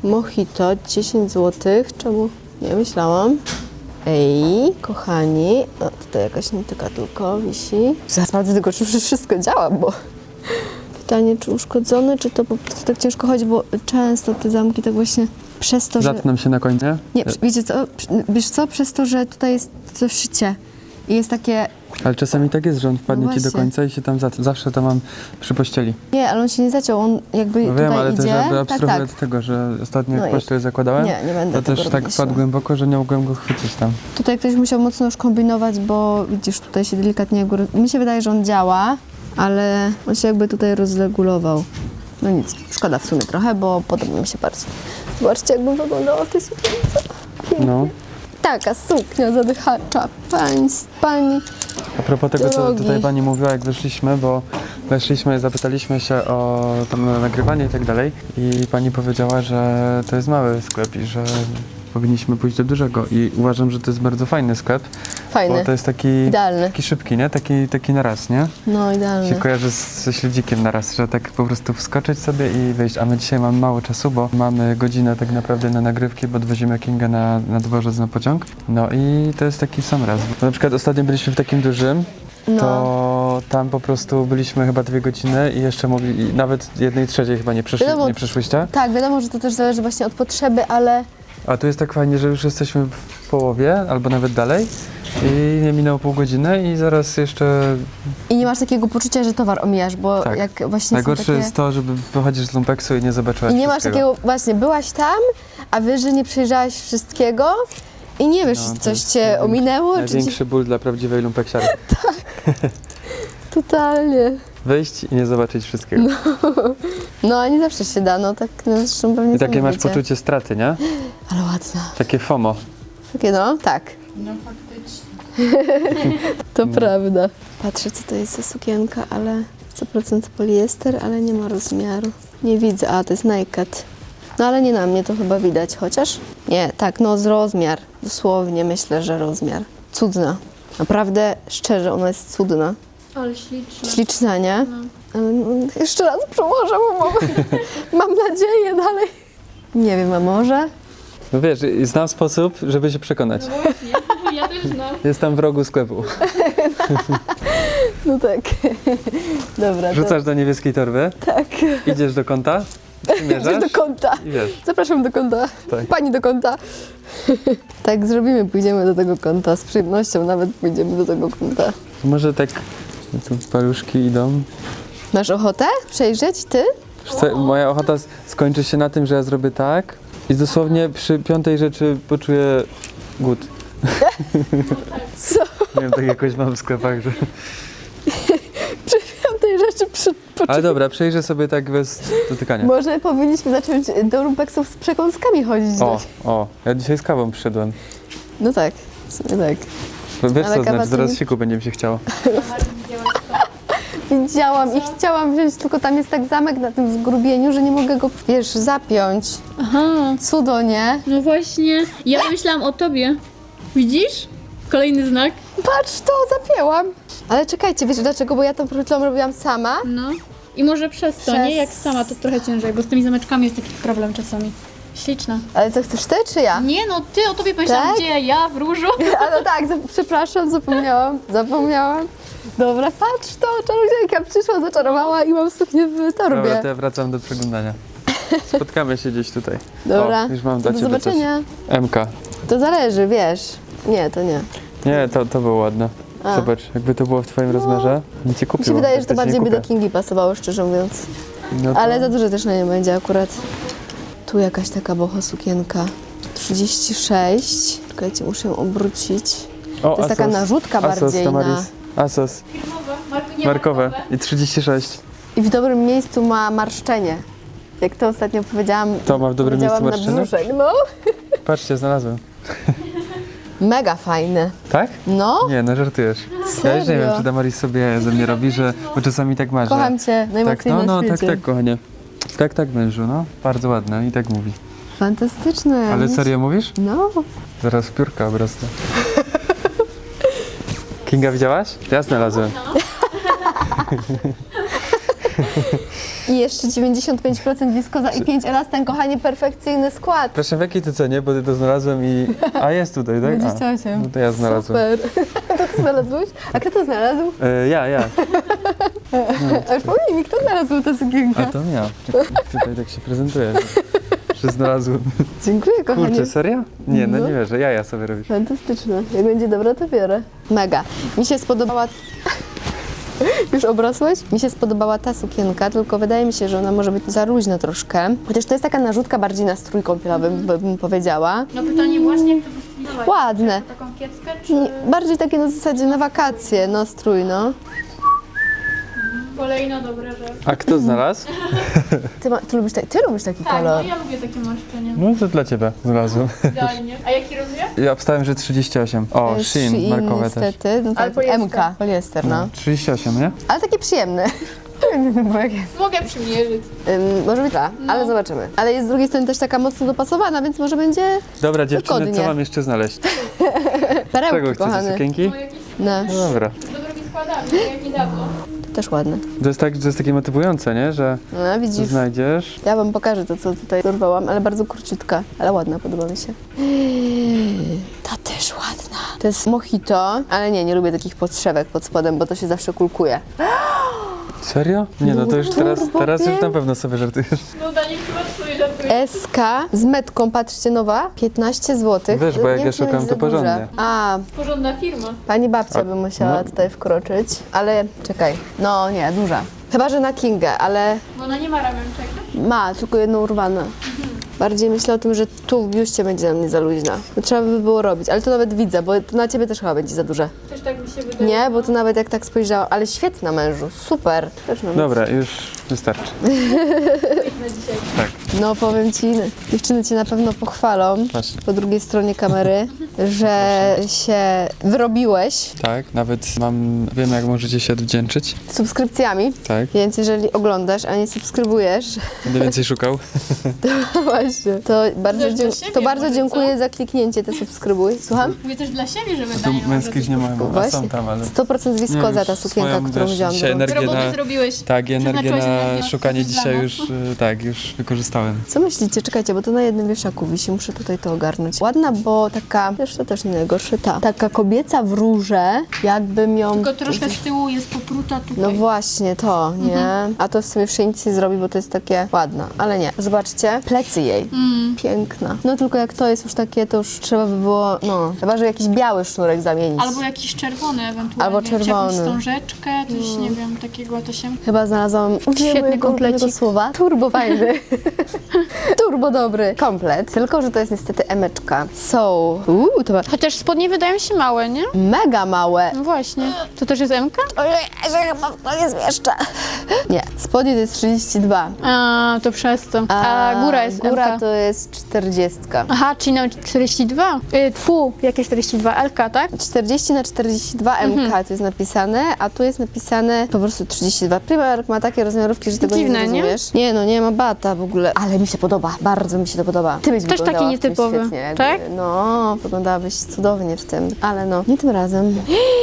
[SPEAKER 1] Mojito, dziesięć złotych. Czemu? Nie myślałam. Ej, kochani. O, tutaj jakaś nitka tylko wisi. Zaraz sprawdzę tylko, czy wszystko działa, bo... Pytanie, czy uszkodzone, czy to po prostu tak ciężko chodzi, bo często te zamki tak właśnie przez to, że...
[SPEAKER 3] Zatnę się na końcu.
[SPEAKER 1] Nie, wiecie co, wiesz co, przez to, że tutaj jest to szycie i jest takie...
[SPEAKER 3] Ale czasami tak jest, że on wpadnie
[SPEAKER 1] No
[SPEAKER 3] ci do
[SPEAKER 1] właśnie.
[SPEAKER 3] końca i się tam zatnie. Zawsze to mam przy pościeli.
[SPEAKER 1] Nie, ale on się nie zaciął, on jakby
[SPEAKER 3] No
[SPEAKER 1] tutaj
[SPEAKER 3] wiem, ale
[SPEAKER 1] idzie.
[SPEAKER 3] to żeby
[SPEAKER 1] tak,
[SPEAKER 3] abstrahuję
[SPEAKER 1] tak.
[SPEAKER 3] od tego, że ostatnio
[SPEAKER 1] No
[SPEAKER 3] jak
[SPEAKER 1] i-
[SPEAKER 3] pościel zakładałem,
[SPEAKER 1] Nie, nie będę
[SPEAKER 3] to
[SPEAKER 1] tego
[SPEAKER 3] też tak
[SPEAKER 1] robić,
[SPEAKER 3] wpadł
[SPEAKER 1] no.
[SPEAKER 3] głęboko, że nie mogłem go chwycić tam.
[SPEAKER 1] Tutaj ktoś musiał mocno już kombinować, bo widzisz, tutaj się delikatnie jakby... roz- Mi się wydaje, że on działa, ale on się jakby tutaj rozregulował. No nic, szkoda w sumie trochę, bo podoba mi się bardzo. Zobaczcie, jakbym wyglądała w tej sukience.
[SPEAKER 3] No.
[SPEAKER 1] Taka suknia zadychacza, pani, pani.
[SPEAKER 3] A propos tego, co
[SPEAKER 1] Drogi.
[SPEAKER 3] tutaj pani mówiła, jak wyszliśmy, bo weszliśmy, zapytaliśmy się o tam nagrywanie i tak dalej i pani powiedziała, że to jest mały sklep i że powinniśmy pójść do dużego i uważam, że to jest bardzo fajny sklep,
[SPEAKER 1] Fajny,
[SPEAKER 3] bo to jest taki,
[SPEAKER 1] idealny.
[SPEAKER 3] taki szybki, nie? Taki, taki na raz, nie?
[SPEAKER 1] No, idealny.
[SPEAKER 3] Się kojarzy z, ze śledzikiem na raz, że tak po prostu wskoczyć sobie i wyjść, a my dzisiaj mamy mało czasu, bo mamy godzinę tak naprawdę na nagrywki, bo odwozimy Kingę na, na dworzec na pociąg, no i to jest taki sam raz. Bo na przykład ostatnio byliśmy w takim dużym,
[SPEAKER 1] No.
[SPEAKER 3] to tam po prostu byliśmy chyba dwie godziny i jeszcze mogli, i nawet jednej trzeciej chyba nie, przeszli,
[SPEAKER 1] Wiadomo-
[SPEAKER 3] nie przeszłyście.
[SPEAKER 1] Tak, wiadomo, że to też zależy właśnie od potrzeby, ale
[SPEAKER 3] A tu jest tak fajnie, że już jesteśmy w połowie albo nawet dalej i nie minęło pół godziny i zaraz jeszcze...
[SPEAKER 1] i nie masz takiego poczucia, że towar omijasz, bo
[SPEAKER 3] Tak.
[SPEAKER 1] jak właśnie
[SPEAKER 3] Najgorsze
[SPEAKER 1] są takie...
[SPEAKER 3] jest to, żeby wychodzisz z lumpeksu i nie zobaczyłaś
[SPEAKER 1] I nie masz
[SPEAKER 3] wszystkiego.
[SPEAKER 1] takiego, właśnie, byłaś tam, a wiesz, że nie przejrzałaś wszystkiego i nie wiesz,
[SPEAKER 3] No, to
[SPEAKER 1] coś
[SPEAKER 3] jest
[SPEAKER 1] cię
[SPEAKER 3] największy-
[SPEAKER 1] ominęło, czy ci...
[SPEAKER 3] Największy ból dla prawdziwej lumpeksiary.
[SPEAKER 1] Totalnie.
[SPEAKER 3] Wyjść i nie zobaczyć wszystkiego.
[SPEAKER 1] No, a nie zawsze się da, no tak, no, zresztą pewnie
[SPEAKER 3] I takie
[SPEAKER 1] sami
[SPEAKER 3] masz
[SPEAKER 1] wiecie.
[SPEAKER 3] poczucie straty, nie?
[SPEAKER 1] Ale ładna.
[SPEAKER 3] Takie FOMO.
[SPEAKER 1] Takie no, tak.
[SPEAKER 2] No faktycznie.
[SPEAKER 1] To prawda. Patrzę, co to jest za sukienka, ale sto procent poliester, ale nie ma rozmiaru. Nie widzę, a to jest naked. No ale nie na mnie to chyba widać, chociaż? Nie, tak, no z rozmiar. Dosłownie myślę, że rozmiar. Cudna. Naprawdę, szczerze, ona jest cudna.
[SPEAKER 2] Ale śliczne.
[SPEAKER 1] Śliczna, nie?
[SPEAKER 2] No.
[SPEAKER 1] Ale no, jeszcze raz przełożę, bo mam, mam nadzieję dalej. Nie wiem, a może?
[SPEAKER 3] No wiesz, i znam sposób, żeby się przekonać.
[SPEAKER 2] Ja też znam.
[SPEAKER 3] Jest tam w rogu sklepu.
[SPEAKER 1] No tak. Dobra, to
[SPEAKER 3] Rzucasz do niebieskiej torby,
[SPEAKER 1] tak.
[SPEAKER 3] idziesz do kąta,
[SPEAKER 1] Idziesz
[SPEAKER 3] przymierzasz
[SPEAKER 1] do kąta.
[SPEAKER 3] i wiesz.
[SPEAKER 1] Zapraszam do kąta.
[SPEAKER 3] Tak.
[SPEAKER 1] Pani do kąta. Tak zrobimy, pójdziemy do tego kąta. Z przyjemnością nawet pójdziemy do tego kąta.
[SPEAKER 3] Może tak, tu paluszki idą.
[SPEAKER 1] Masz ochotę przejrzeć, ty?
[SPEAKER 3] Wiesz co, moja ochota s- skończy się na tym, że ja zrobię tak i dosłownie przy piątej rzeczy poczuję głód.
[SPEAKER 1] Co?
[SPEAKER 3] Nie wiem, tak jakoś mam w sklepach, że...
[SPEAKER 1] Przy piątej rzeczy przy, poczu-
[SPEAKER 3] Ale dobra, przejrzę sobie tak bez dotykania.
[SPEAKER 1] Może powinniśmy zacząć do lumpeksów z przekąskami chodzić.
[SPEAKER 3] O, o, ja dzisiaj z kawą przyszedłem.
[SPEAKER 1] No tak, w sumie tak.
[SPEAKER 3] Wiesz
[SPEAKER 1] Ale
[SPEAKER 3] co
[SPEAKER 1] kawa
[SPEAKER 3] znaczy,
[SPEAKER 1] to
[SPEAKER 3] zaraz
[SPEAKER 1] nie-
[SPEAKER 3] siku będzie mi się chciało.
[SPEAKER 1] Widziałam i chciałam wziąć, tylko tam jest tak zamek na tym zgrubieniu, że nie mogę go, wiesz, zapiąć.
[SPEAKER 2] Aha,
[SPEAKER 1] Cudo, nie?
[SPEAKER 2] no właśnie. Ja myślałam o tobie. Widzisz? Kolejny znak.
[SPEAKER 1] Patrz, to zapięłam. Ale czekajcie, wiecie dlaczego? Bo ja to przed chwilą robiłam sama.
[SPEAKER 2] No. I może przez to,
[SPEAKER 1] Przez-
[SPEAKER 2] nie? Jak sama to trochę ciężej, bo z tymi zameczkami jest taki problem czasami. Śliczna.
[SPEAKER 1] Ale co, chcesz ty czy ja?
[SPEAKER 2] Nie no, ty o tobie pomyślałam,
[SPEAKER 1] Tak?
[SPEAKER 2] gdzie ja w różu.
[SPEAKER 1] A no tak, za- przepraszam, zapomniałam, zapomniałam. Dobra, patrz to, czarodziejka przyszła, zaczarowała i mam suknię w torbie.
[SPEAKER 3] Dobra, to ja wracam do przeglądania. Spotkamy się gdzieś tutaj.
[SPEAKER 1] Dobra,
[SPEAKER 3] O, już mam
[SPEAKER 1] to
[SPEAKER 3] dla
[SPEAKER 1] do
[SPEAKER 3] ciebie
[SPEAKER 1] zobaczenia.
[SPEAKER 3] coś. M K.
[SPEAKER 1] To zależy, wiesz. Nie, to nie.
[SPEAKER 3] Nie, to, to było ładne.
[SPEAKER 1] A.
[SPEAKER 3] Zobacz, jakby to było w twoim rozmiarze, nie ci
[SPEAKER 1] Mi
[SPEAKER 3] kupiło.
[SPEAKER 1] się wydaje,
[SPEAKER 3] Jak
[SPEAKER 1] że to
[SPEAKER 3] ci nie
[SPEAKER 1] bardziej by do
[SPEAKER 3] kupię.
[SPEAKER 1] Kingi pasowało, szczerze mówiąc.
[SPEAKER 3] No to...
[SPEAKER 1] Ale za dużo też na nie będzie akurat. Tu jakaś taka boho sukienka. trzydzieści sześć. Czekajcie, muszę ją obrócić.
[SPEAKER 3] O,
[SPEAKER 1] To jest taka narzutka
[SPEAKER 3] Asos,
[SPEAKER 1] bardziej na...
[SPEAKER 3] Tamaris. Asos, markowe i trzydzieści sześć.
[SPEAKER 1] I w dobrym miejscu ma marszczenie. Jak to ostatnio powiedziałam.
[SPEAKER 3] To ma w dobrym
[SPEAKER 1] powiedziałam
[SPEAKER 3] miejscu
[SPEAKER 1] na
[SPEAKER 3] marszczenie?
[SPEAKER 1] brzuszek, no.
[SPEAKER 3] Patrzcie, znalazłem.
[SPEAKER 1] Mega fajne.
[SPEAKER 3] Tak?
[SPEAKER 1] No,
[SPEAKER 3] Nie, no żartujesz. Ja już nie wiem,
[SPEAKER 1] Serio?
[SPEAKER 3] czy Damaris sobie ze mnie robi, że... Bo czasami tak masz,
[SPEAKER 1] kocham
[SPEAKER 3] że...
[SPEAKER 1] cię najmocniej
[SPEAKER 3] Tak, no,
[SPEAKER 1] na
[SPEAKER 3] no, tak,
[SPEAKER 1] świecie.
[SPEAKER 3] tak, kochanie. Tak, tak, mężu, no. Bardzo ładne i tak mówi.
[SPEAKER 1] Fantastyczne.
[SPEAKER 3] Ale serio mówisz?
[SPEAKER 1] No.
[SPEAKER 3] Zaraz w piórka obrosnę. Kinga, widziałaś? Ja znalazłem.
[SPEAKER 1] I jeszcze dziewięćdziesiąt pięć procent wiskoza i pięć elastan, kochanie, perfekcyjny skład.
[SPEAKER 3] Proszę, w jakiej ty cenie? Bo ty to znalazłem i... A, jest tutaj, tak?
[SPEAKER 1] dwadzieścia osiem.
[SPEAKER 3] A, no to ja znalazłem.
[SPEAKER 1] Super. To ty znalazłeś? A kto to znalazł?
[SPEAKER 3] E, ja, ja.
[SPEAKER 1] A już pomnij mi, kto znalazł tę sukienkę?
[SPEAKER 3] A to ja. Tutaj tak się prezentuje, że, że znalazłem.
[SPEAKER 1] Dziękuję, kochanie.
[SPEAKER 3] Kurczę, serio? Nie, no
[SPEAKER 1] No.
[SPEAKER 3] nie wierzę, jaja sobie robisz.
[SPEAKER 1] Fantastyczne. Jak będzie dobra, to biorę. Mega. Mi się spodobała... Już obrosłeś? Mi się spodobała ta sukienka, tylko wydaje mi się, że ona może być za luźna troszkę. Chociaż to jest taka narzutka bardziej na strój kąpielowy, by- bym powiedziała.
[SPEAKER 2] No pytanie właśnie, jak to wystylizować?
[SPEAKER 1] Ładne.
[SPEAKER 2] Czy taką kieckę, czy
[SPEAKER 1] Nie, bardziej takie na zasadzie na wakacje, no strój, no.
[SPEAKER 2] kolejna dobra rzecz?
[SPEAKER 3] A kto znalazł?
[SPEAKER 1] Ty, ma, ty, lubisz, ta, ty lubisz taki
[SPEAKER 2] Tak, no
[SPEAKER 1] kolor.
[SPEAKER 2] ja lubię takie marszczenie.
[SPEAKER 3] No to dla ciebie znalazłem.
[SPEAKER 2] Idealnie. A jaki rozmiar?
[SPEAKER 3] Ja obstałem, że trzydzieści osiem. O,
[SPEAKER 1] E,
[SPEAKER 3] Shein, markowe też.
[SPEAKER 1] niestety. No
[SPEAKER 2] Ale
[SPEAKER 1] tak,
[SPEAKER 2] poliester.
[SPEAKER 1] M K, poliester, no.
[SPEAKER 3] trzydzieści osiem, nie?
[SPEAKER 1] Ale taki przyjemny. Bo jak jest.
[SPEAKER 2] Mogę przymierzyć.
[SPEAKER 1] Ym, może być dwa,
[SPEAKER 2] No.
[SPEAKER 1] ale zobaczymy. Ale jest z drugiej strony też taka mocno dopasowana, więc może będzie
[SPEAKER 3] Dobra, dziewczyny, co
[SPEAKER 1] Wygodnie.
[SPEAKER 3] mam jeszcze znaleźć?
[SPEAKER 1] perełki,
[SPEAKER 3] Czego chcecie,
[SPEAKER 1] kochany.
[SPEAKER 3] sukienki?
[SPEAKER 2] No jakieś
[SPEAKER 1] No,
[SPEAKER 3] No dobra.
[SPEAKER 2] do drogi składamy, jak niedawno.
[SPEAKER 1] też ładne.
[SPEAKER 3] To jest, tak, to jest takie motywujące, nie? Że
[SPEAKER 1] No, widzisz.
[SPEAKER 3] znajdziesz.
[SPEAKER 1] Ja wam pokażę to, co tutaj dorwałam, ale bardzo króciutka, ale ładna, podoba mi się. Ta też ładna. To jest mojito, ale nie, nie lubię takich podszewek pod spodem, bo to się zawsze kulkuje.
[SPEAKER 3] Serio? Nie no, to już teraz,
[SPEAKER 1] Turbo
[SPEAKER 3] teraz już
[SPEAKER 1] pięk.
[SPEAKER 3] na pewno sobie żartujesz.
[SPEAKER 2] No Dani, chyba twój żartuje.
[SPEAKER 1] S K z metką, patrzcie, nowa, piętnaście złotych.
[SPEAKER 3] Wiesz, bo jak
[SPEAKER 1] Nie
[SPEAKER 3] ja
[SPEAKER 1] wiem, czy nie
[SPEAKER 3] szukam,
[SPEAKER 1] będzie
[SPEAKER 3] to
[SPEAKER 1] za duże.
[SPEAKER 3] porządnie.
[SPEAKER 1] A,
[SPEAKER 2] Porządna firma.
[SPEAKER 1] pani babcia
[SPEAKER 3] A,
[SPEAKER 1] by musiała
[SPEAKER 3] no.
[SPEAKER 1] tutaj wkroczyć, ale czekaj, no nie, duża. Chyba, że na Kingę, ale
[SPEAKER 2] Bo ona nie ma ramionczek.
[SPEAKER 1] ma, tylko jedną urwane. Bardziej myślę o tym, że tu w biuście będzie na mnie za luźna. To trzeba by było robić, ale to nawet widzę, bo to na ciebie też chyba będzie za duże.
[SPEAKER 2] Też tak mi się wydaje.
[SPEAKER 1] Nie, bo to nawet jak tak spojrzałam, ale świetna mężu, super. Też na
[SPEAKER 3] Dobra, już wystarczy.
[SPEAKER 2] Na dzisiaj.
[SPEAKER 3] Tak.
[SPEAKER 1] No powiem ci, dziewczyny cię na pewno pochwalą
[SPEAKER 3] Patrz.
[SPEAKER 1] po drugiej stronie kamery, że się wyrobiłeś
[SPEAKER 3] Tak, nawet mam, wiem jak możecie się odwdzięczyć.
[SPEAKER 1] subskrypcjami,
[SPEAKER 3] Tak,
[SPEAKER 1] więc jeżeli oglądasz, a nie subskrybujesz,
[SPEAKER 3] będę więcej szukał.
[SPEAKER 1] to właśnie, to bardzo,
[SPEAKER 2] Też dla
[SPEAKER 1] dzie-
[SPEAKER 2] siebie
[SPEAKER 1] to bardzo
[SPEAKER 2] może,
[SPEAKER 1] dziękuję za kliknięcie, te subskrybuj. Słucham?
[SPEAKER 2] Mówię też dla siebie, żeby
[SPEAKER 3] Tu
[SPEAKER 2] Dani
[SPEAKER 3] męskich nie ma chyba, a
[SPEAKER 1] Właśnie.
[SPEAKER 3] są tam, ale...
[SPEAKER 1] sto procent wiskoza
[SPEAKER 3] już
[SPEAKER 1] ta sukienka,
[SPEAKER 3] swoją,
[SPEAKER 1] którą
[SPEAKER 3] wiesz,
[SPEAKER 1] wziąłam.
[SPEAKER 3] dzisiaj
[SPEAKER 1] do rąk.
[SPEAKER 3] energię
[SPEAKER 2] Roboty
[SPEAKER 3] na...
[SPEAKER 2] zrobiłeś.
[SPEAKER 3] Tak, energię
[SPEAKER 2] Przeznaczyłeś
[SPEAKER 3] na
[SPEAKER 2] energię
[SPEAKER 3] szukanie
[SPEAKER 2] dla
[SPEAKER 3] dzisiaj
[SPEAKER 2] nas.
[SPEAKER 3] już, y, tak, już wykorzystałem.
[SPEAKER 1] Co myślicie? Czekajcie, bo to na jednym wieszaku wisi, muszę tutaj to ogarnąć. Ładna, bo taka, wiesz, to też nie najgorsze, ta. Taka kobieca w róże, jakbym ją...
[SPEAKER 2] Tylko troszkę z tyłu jest popruta tutaj.
[SPEAKER 1] No właśnie, to, nie? A to w sumie w nic nie zrobi, bo to jest takie ładne, ale nie. Zobaczcie, plecy jej. Piękna. No tylko jak to jest już takie, to już trzeba by było, no, chyba, że jakiś biały sznurek zamienić.
[SPEAKER 2] Albo jakiś czerwony ewentualnie.
[SPEAKER 1] Albo
[SPEAKER 2] Czy
[SPEAKER 1] czerwony.
[SPEAKER 2] jakąś wstążeczkę, coś nie wiem, takiego to się...
[SPEAKER 1] Chyba znalazłam
[SPEAKER 2] Świetny komplecik.
[SPEAKER 1] tego słowa. Turbo fajny. Turbo dobry komplet. Tylko, że to jest niestety emeczka. So, uuu, to ma
[SPEAKER 2] Chociaż spodnie wydają się małe, nie?
[SPEAKER 1] mega małe.
[SPEAKER 2] No właśnie. To też jest M-ka?
[SPEAKER 1] Ojej, że chyba w to nie zmieszczę. Nie, spodnie to jest trzydzieści dwa.
[SPEAKER 2] A, to przez to. A, góra jest
[SPEAKER 1] Góra
[SPEAKER 2] M-ka.
[SPEAKER 1] to jest czterdziestka.
[SPEAKER 2] Aha, czyli na czterdzieści dwa. Y, tfu, jakie czterdzieści dwa? L-ka, tak?
[SPEAKER 1] czterdzieści na czterdzieści dwa M K
[SPEAKER 2] Mhm.
[SPEAKER 1] to jest napisane, a tu jest napisane po prostu trzydzieści dwa. Primark ma takie rozmiarówki, że tego
[SPEAKER 2] Dziwne,
[SPEAKER 1] nie
[SPEAKER 2] nie?
[SPEAKER 1] zrozumiesz. Nie? no, nie ma bata w ogóle, ale mi się podoba, bardzo mi się to podoba. Ty byś
[SPEAKER 2] Też taki
[SPEAKER 1] wyglądała w tym
[SPEAKER 2] nietypowy,
[SPEAKER 1] świetnie, jakby.
[SPEAKER 2] tak?
[SPEAKER 1] No, wyglądałabyś cudownie w tym, ale no, nie tym razem.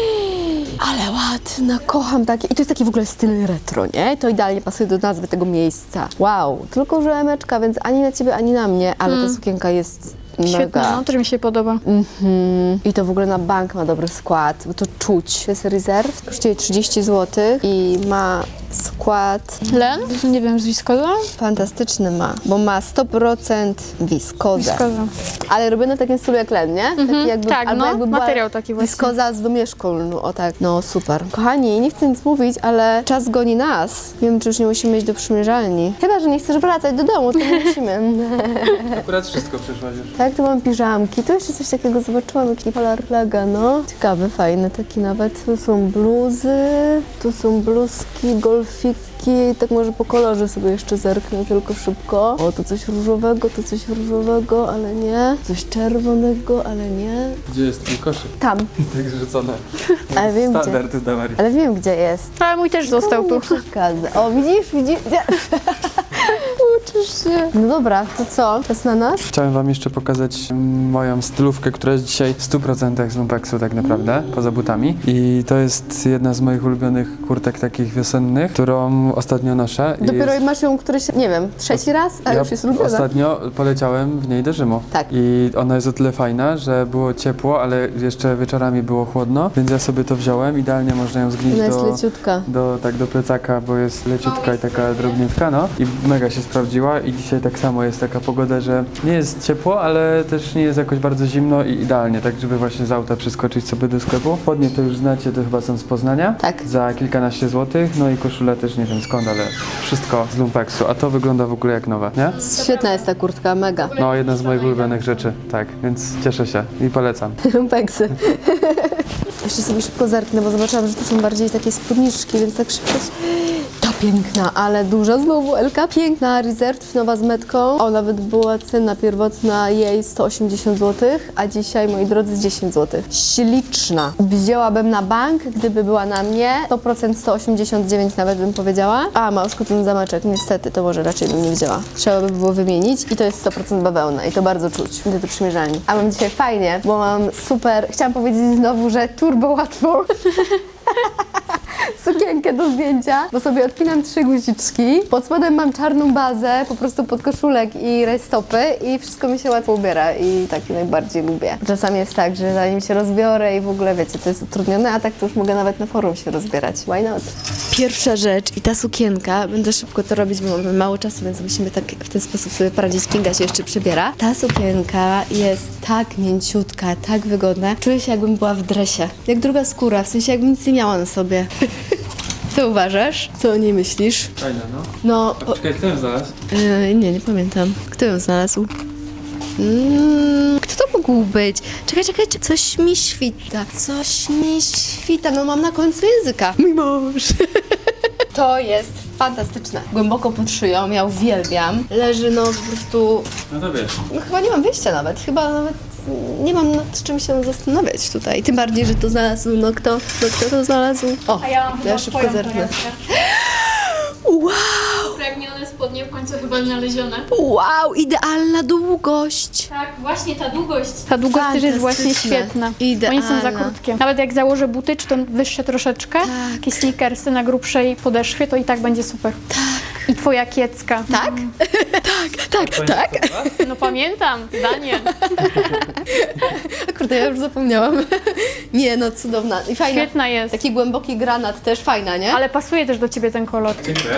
[SPEAKER 1] Ale ładna, kocham takie. I to jest taki w ogóle styl retro, nie? To idealnie pasuje do nazwy tego miejsca. Wow, tylko że emeczka, więc ani na ciebie, ani na mnie, ale ta sukienka jest mega.
[SPEAKER 2] Świetne, no, też mi się podoba.
[SPEAKER 1] Mhm. I to w ogóle na bank ma dobry skład, bo to czuć. To jest rezerw, kosztuje trzydzieści złotych i ma skład
[SPEAKER 2] Len? Nie wiem, z wiskoza?
[SPEAKER 1] fantastyczny ma, bo ma sto procent wiskozę.
[SPEAKER 2] Wiskoza.
[SPEAKER 1] Ale robione w takim stylu jak len, nie? Taki jakby,
[SPEAKER 2] tak,
[SPEAKER 1] albo
[SPEAKER 2] no,
[SPEAKER 1] jakby była
[SPEAKER 2] materiał taki właśnie.
[SPEAKER 1] Wiskoza z domieszką, no o tak. No super. Kochani, nie chcę nic mówić, ale czas goni nas. Nie wiem, czy już nie musimy iść do przymierzalni. Chyba, że nie chcesz wracać do domu, to nie musimy.
[SPEAKER 3] Akurat wszystko przyszłaś już.
[SPEAKER 1] Tak, tu mam piżamki. Tu jeszcze coś takiego zobaczyłam, jakiś polar lega, no. Ciekawy, fajny taki nawet. Tu są bluzy, tu są bluzki, golfiki. Tak może po kolorze sobie jeszcze zerknę tylko szybko. O, tu coś różowego, tu coś różowego, ale nie. Coś czerwonego, ale nie.
[SPEAKER 3] Gdzie jest twój koszyk?
[SPEAKER 1] Tam,
[SPEAKER 3] Tak zrzucone.
[SPEAKER 1] ale wiem gdzie.
[SPEAKER 3] Standard dla Marii.
[SPEAKER 1] Ale wiem gdzie jest.
[SPEAKER 2] Ale mój też został tu.
[SPEAKER 1] Nie przeszkadza. O, widzisz, widzisz? Ciesz się. No dobra, to co? Czas na nas?
[SPEAKER 3] Chciałem wam jeszcze pokazać moją stylówkę, która jest dzisiaj w stu procentach z lumpeksu tak naprawdę, poza butami. I to jest jedna z moich ulubionych kurtek takich wiosennych, którą ostatnio noszę. I
[SPEAKER 1] Dopiero
[SPEAKER 3] jest...
[SPEAKER 1] masz ją któryś, nie wiem, trzeci raz, a
[SPEAKER 3] Ja
[SPEAKER 1] już jest ulubiona.
[SPEAKER 3] ostatnio poleciałem w niej do Rzymu.
[SPEAKER 1] Tak.
[SPEAKER 3] I ona jest o tyle fajna, że było ciepło, ale jeszcze wieczorami było chłodno, więc ja sobie to wziąłem. Idealnie można ją zgnieść
[SPEAKER 1] Ona jest
[SPEAKER 3] do,
[SPEAKER 1] leciutka.
[SPEAKER 3] do, tak, do plecaka, bo jest leciutka i taka drobniutka, no. I mega się sprawdziła i dzisiaj tak samo jest taka pogoda, że nie jest ciepło, ale też nie jest jakoś bardzo zimno i idealnie, tak żeby właśnie z auta przeskoczyć sobie do sklepu. Spodnie to już znacie, to chyba są z Poznania.
[SPEAKER 1] Tak.
[SPEAKER 3] Za kilkanaście złotych, no i koszula też nie wiem skąd, ale wszystko z lumpeksu, a to wygląda w ogóle jak nowe, nie?
[SPEAKER 1] Świetna jest ta kurtka, mega.
[SPEAKER 3] No, jedna z moich ulubionych rzeczy, tak, więc cieszę się i polecam.
[SPEAKER 1] Lumpeksy. Jeszcze sobie szybko zerknę, bo zobaczyłam, że to są bardziej takie spódniczki, więc tak szybko... Ta piękna, ale duża znowu Elka. Piękna, Reserve, nowa z metką. O, nawet była cena pierwotna jej sto osiemdziesiąt złotych, a dzisiaj, moi drodzy, dziesięć złotych. Śliczna. Wzięłabym na bank, gdyby była na mnie. sto procent sto osiemdziesiąt dziewięć nawet bym powiedziała. A, ma uszkodzony zameczek, niestety, to może raczej bym nie wzięła. Trzeba by było wymienić i to jest sto procent bawełna i to bardzo czuć, gdy to przymierzalni. A mam dzisiaj fajnie, bo mam super, chciałam powiedzieć znowu, że turbo łatwą sukienkę do zdjęcia, bo sobie odpinam trzy guziczki. Pod spodem mam czarną bazę, po prostu pod koszulek i rajstopy i wszystko mi się łatwo ubiera i tak najbardziej lubię. Czasami jest tak, że zanim się rozbiorę i w ogóle wiecie, to jest utrudnione, a tak to już mogę nawet na forum się rozbierać. Why not? Pierwsza rzecz i ta sukienka, będę szybko to robić, bo mamy mało czasu, więc musimy tak w ten sposób sobie poradzić. Kinga się jeszcze przebiera. Ta sukienka jest tak mięciutka, tak wygodna. Czuję się, jakbym była w dresie. Jak druga skóra, w sensie jakbym nic nie miała na sobie. Co uważasz? Co o niej myślisz?
[SPEAKER 3] Fajne, no.
[SPEAKER 1] No,
[SPEAKER 3] A czekaj, kto ją znalazł?
[SPEAKER 1] Yy, nie, nie pamiętam. Kto ją znalazł? Mm, kto to mógł być? Czekaj, czekaj, czekaj, coś mi świta. Coś mi świta. No mam na końcu języka. Mój mąż. To jest fantastyczne. Głęboko pod szyją, ja uwielbiam. Leży no po prostu...
[SPEAKER 3] No to wiesz.
[SPEAKER 1] No chyba nie mam wyjścia nawet. Chyba nawet nie mam nad czym się zastanawiać tutaj. Tym bardziej, że to znalazł. No kto? No kto to znalazł? O,
[SPEAKER 2] A ja mam
[SPEAKER 1] ja
[SPEAKER 2] chyba
[SPEAKER 1] szybko
[SPEAKER 2] twoją
[SPEAKER 1] zerknę.
[SPEAKER 2] torebkę.
[SPEAKER 1] Wow!
[SPEAKER 2] Pragnione spodnie w końcu chyba znalezione.
[SPEAKER 1] Wow, idealna długość.
[SPEAKER 2] Tak, właśnie ta długość. Ta długość też jest właśnie
[SPEAKER 1] Fantastyczne.
[SPEAKER 2] świetna.
[SPEAKER 1] Idealna.
[SPEAKER 2] Oni są za krótkie. Nawet jak założę buty, czy to wyższe troszeczkę, takie sneakersy na grubszej podeszwie, to i tak będzie super. Tak. I twoja kiecka.
[SPEAKER 1] Tak? tak, tak, tak.
[SPEAKER 2] No pamiętam, zdanie.
[SPEAKER 1] Kurde, ja już zapomniałam. Nie, no cudowna. I fajna.
[SPEAKER 2] Świetna jest.
[SPEAKER 1] Taki głęboki granat też fajna, nie?
[SPEAKER 2] Ale pasuje też do ciebie ten kolor.
[SPEAKER 3] Dziękuję.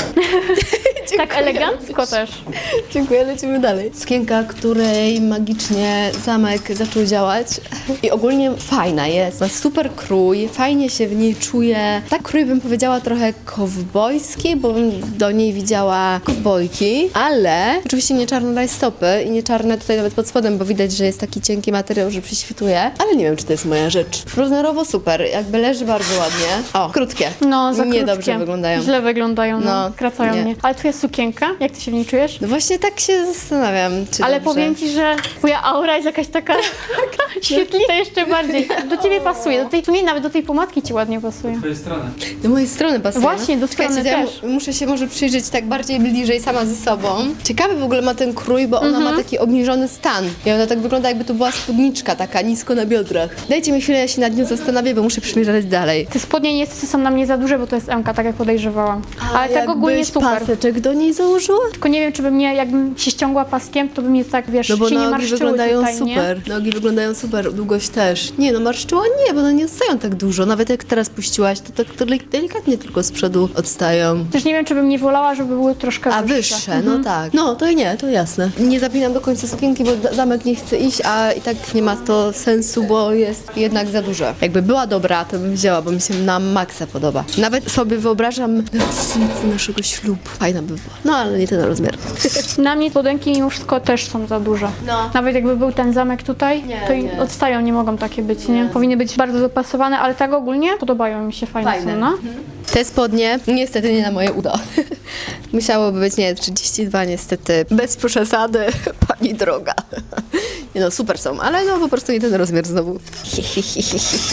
[SPEAKER 2] Tak elegancko też.
[SPEAKER 1] Dziękuję, lecimy dalej. Sukienka, której magicznie zamek zaczął działać i ogólnie fajna jest. Ma super krój, fajnie się w niej czuje. Tak krój bym powiedziała trochę kowbojski, bo bym do niej widziała kowbojki, ale oczywiście nie czarne rajstopy i nie czarne tutaj nawet pod spodem, bo widać, że jest taki cienki materiał, że przyśwituje, ale nie wiem, czy to jest moja rzecz. Rozmiarowo super, jakby leży bardzo ładnie. O, krótkie.
[SPEAKER 2] No, za
[SPEAKER 1] Niedobrze
[SPEAKER 2] krótkie.
[SPEAKER 1] wyglądają.
[SPEAKER 2] Źle wyglądają, no.
[SPEAKER 1] No,
[SPEAKER 2] Kracają
[SPEAKER 1] nie.
[SPEAKER 2] mnie. Ale twoja sukienka, jak ty się w niej czujesz?
[SPEAKER 1] No właśnie tak się zastanawiam, czy
[SPEAKER 2] Ale
[SPEAKER 1] dobrze.
[SPEAKER 2] powiem ci, że twoja aura jest jakaś taka świetlista jeszcze bardziej. Do ciebie pasuje, do tej, w sumie nawet do tej pomadki ci ładnie pasuje.
[SPEAKER 3] Z twojej strony.
[SPEAKER 1] Do mojej strony pasuje.
[SPEAKER 2] Właśnie, do
[SPEAKER 1] Czekajcie,
[SPEAKER 2] strony
[SPEAKER 1] ja mu-
[SPEAKER 2] też.
[SPEAKER 1] muszę się może przyjrzeć tak bardziej bliżej sama ze sobą. Ciekawy w ogóle ma ten krój, bo ona
[SPEAKER 2] Mhm.
[SPEAKER 1] ma taki obniżony stan. I ona tak wygląda, jakby to była spódniczka taka nisko na biodrach. Dajcie mi chwilę, ja się nad nią zastanowię, bo muszę przymierzać dalej.
[SPEAKER 2] Te spodnie niestety są na mnie za duże, bo to jest M-ka, tak jak podejrzewałam. Ale tak ogólnie
[SPEAKER 1] jakbyś
[SPEAKER 2] super.
[SPEAKER 1] paseczek do niej założyła?
[SPEAKER 2] Tylko nie wiem, czy by mnie, jakbym się ściągła paskiem, to by mnie tak, wiesz,
[SPEAKER 1] No bo
[SPEAKER 2] się nie
[SPEAKER 1] nogi
[SPEAKER 2] marszczyły
[SPEAKER 1] wyglądają
[SPEAKER 2] tutaj,
[SPEAKER 1] super.
[SPEAKER 2] nie?
[SPEAKER 1] Nogi wyglądają super, długość też. Nie no, marszczyła nie, bo one nie odstają tak dużo. Nawet jak teraz puściłaś, to tak deli- delikatnie tylko z przodu odstają.
[SPEAKER 2] Też nie wiem, czy bym nie wolała, żeby były troszkę
[SPEAKER 1] A
[SPEAKER 2] wyższe.
[SPEAKER 1] wyższe, no tak. No to nie, to jasne. Nie zapinam do końca sukienki, bo d- zamek nie chce iść, a i tak nie ma to sensu, bo jest jednak za duże. Jakby była dobra, to bym wzięła, bo mi się na maksa podoba. Nawet sobie wyobrażam na rocznicę naszego ślubu. Fajna by była. No ale nie ten rozmiar.
[SPEAKER 2] Na mnie spodenki mimo wszystko też są za duże.
[SPEAKER 1] No.
[SPEAKER 2] Nawet jakby był ten zamek tutaj,
[SPEAKER 1] Nie,
[SPEAKER 2] to i
[SPEAKER 1] nie.
[SPEAKER 2] odstają, nie mogą takie być, nie? Powinny być bardzo dopasowane, ale tak ogólnie podobają mi się, fajne,
[SPEAKER 1] Fajne.
[SPEAKER 2] są, no.
[SPEAKER 1] Te spodnie niestety nie na moje uda. Musiałoby być, nie, trzydzieści dwa niestety. Bez przesady, pani droga. Nie no, super są, ale no po prostu nie ten rozmiar znowu.